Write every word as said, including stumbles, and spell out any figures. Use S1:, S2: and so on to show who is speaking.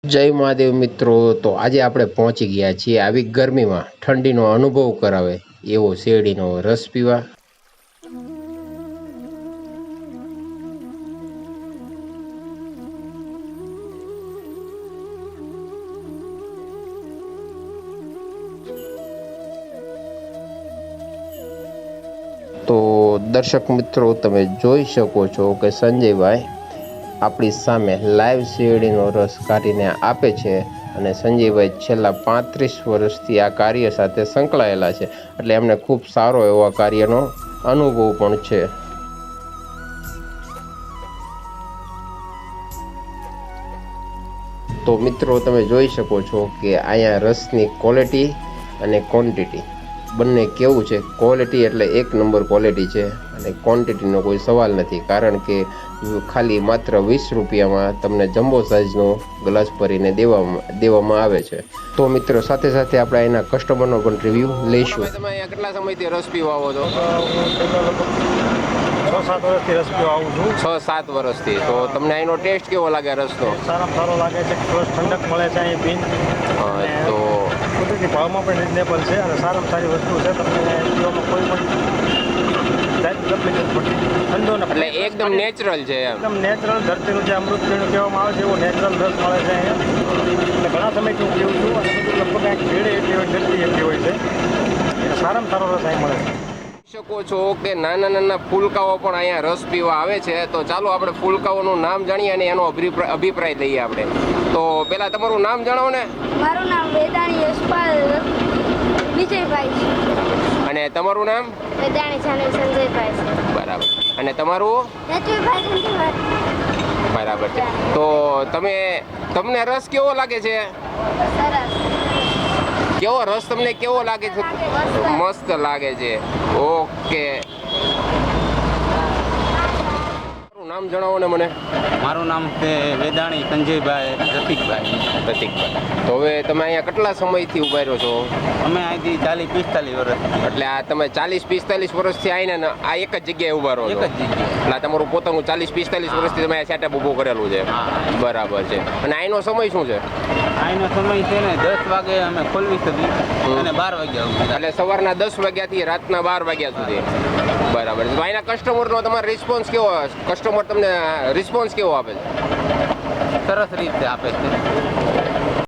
S1: જય મહાદેવ મિત્રો, તો આજે આપણે પહોંચી ગયા છીએ આવી ગરમીમાં ઠંડીનો અનુભવ કરાવે એવો શેરડીનો રસ પીવા. તો દર્શક મિત્રો, તમે જોઈ શકો છો કે સંજયભાઈ આપણી સામે લાઈવ શેરડીનો રસ કાઢીને આપે છે અને સંજયભાઈ છેલ્લા પાંત્રીસ વર્ષથી આ કાર્ય સાથે સંકળાયેલા છે, એટલે એમને ખૂબ સારો એવો કાર્યનો અનુભવ પણ છે. તો મિત્રો, તમે જોઈ શકો છો કે અહીંયા રસની ક્વોલિટી અને ક્વોન્ટિટી બંને કેવું છે. ક્વોલિટી એટલે એક નંબર ક્વોલિટી છે અને ક્વોન્ટિટીનો કોઈ સવાલ નથી, કારણ કે ખાલી માત્ર વીસ રૂપિયામાં તમને જમ્બો સાઇઝનો ગ્લાસ ભરીને દેવામાં દેવામાં આવે છે. તો મિત્રો, સાથે સાથે આપણે એના કસ્ટમરનો પણ રિવ્યૂ લઈશું. તમે અહીંયા કેટલા સમયથી રસ પીવા આવો છો?
S2: છ સાત વર્ષથી રસ પીવા આવું છું.
S1: છ સાત વર્ષથી. તો તમને અહીંનો ટેસ્ટ કેવો લાગે રસનો?
S2: સારામાં સારો લાગે છે. પ્લસ ઠંડક મળે છે અહીં પીન.
S1: તો
S2: કુદરતી ભાવમાં પણ રિઝનેબલ છે અને સારામાં સારી વસ્તુ છે. તમને પીવામાં કોઈ પણ
S1: એટલે એકદમ નેચરલ છે.
S2: એકદમ નેચરલ ધરતીનું જે અમૃત પીણું કહેવામાં આવે છે એવું નેચરલ રસ મળે છે અહીંયા. અને ઘણા સમયથી હું પીવું છું અને બધું લગભગ કાંઈક ભીડ એટલી હોય, ગરદી એટલી હોય છે. એટલે સારામાં સારો રસ અહીં મળે છે.
S1: શકો છો કે નાના નાના ફૂલકાઓ પણ અહીંયા રસ પીવા આવે છે. તો ચાલો આપણે ફૂલકાઓનું નામ જાણીએ અને એનો અભિપ્રાય લઈએ આપણે. તો પહેલા તમારું નામ જણાવો ને.
S3: મારું નામ વેદાણી યશપાલ વિજયભાઈ છે.
S1: અને તમારું નામ?
S3: વેદાણી જાનવી સંજયભાઈ છે.
S1: બરાબર. અને તમારું?
S3: યજુભાઈ સંજયભાઈ.
S1: બરાબર છે. તો તમે તમને રસ કેવો લાગે છે?
S3: સરસ.
S1: કેવો રસ તમને કેવો લાગે છે? મસ્ત લાગે છે. ઓકે. નામ જણાવો ને મને.
S4: મારું નામ છે વેદાણી સંજયભાઈ રસિકભાઈ.
S1: રસિકભાઈ. તો હવે તમે અહીંયા કેટલા સમયથી ઉભા રહ્યો છો?
S4: અમે અહીંથી ચાલીસ પિસ્તાલીસ વર્ષ.
S1: એટલે આ તમે ચાલીસ પિસ્તાલીસ વર્ષથી આવીને આ એક જ જગ્યાએ ઉભા રહો છો?
S4: એક જ જગ્યાએ.
S1: એટલે તમારું પોતાનું ચાલીસ પિસ્તાલીસ વર્ષથી તમે આ સેટઅપ ઊભું કરેલું છે? બરાબર છે. અને અહીંનો સમય શું છે?
S4: અહીંનો સમય છે ને દસ વાગે અમે ખોલવી શકીએ અને બાર વાગ્યા સુધી.
S1: એટલે સવારના દસ વાગ્યાથી રાતના બાર વાગ્યા સુધી. બરાબર છે. તો અહીંના કસ્ટમરનો તમારો રિસ્પોન્સ કેવો? કસ્ટમર તમને રિસ્પોન્સ કેવો આપે છે?
S4: સરસ રીતે આપે છે.